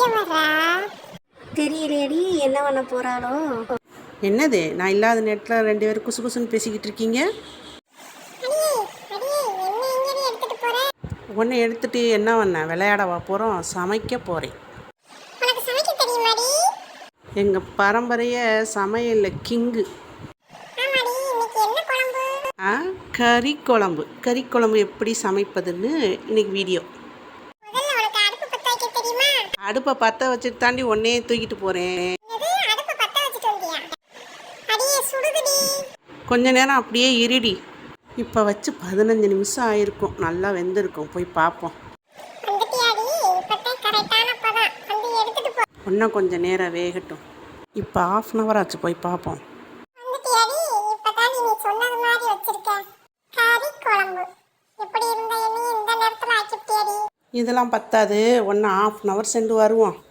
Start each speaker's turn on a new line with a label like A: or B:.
A: தெரியலையடி என்ன பண்ண போறாளோ.
B: என்னது நான் இல்லாத நேரத்தில் 2 பேரும் குசு குசுன்னு பேசிக்கிட்டு இருக்கீங்க? ஒன்று எடுத்துட்டு என்ன பண்ண? விளையாடவா போகிறோம்? சமைக்க போகிறேன். எங்கள் பரம்பரையை சமையலில் கிங்கு. கறி குழம்பு. கறி குழம்பு எப்படி சமைப்பதுன்னு இன்னைக்கு வீடியோ. அடுப்பை பற்ற வச்சுட்டு தாண்டி ஒன்னே தூக்கிட்டு போகிறேன். கொஞ்ச நேரம் அப்படியே இருடி. இப்போ வச்சு 15 நிமிஷம் ஆயிருக்கும். நல்லா வெந்திருக்கும். போய் பார்ப்போம். இன்னும் கொஞ்சம் நேரம் வேகட்டும். இப்போ 1/2 hour ஆச்சு. போய் பார்ப்போம். இதெல்லாம் பத்தாது. 1/2 hour சென்று வருவோம்.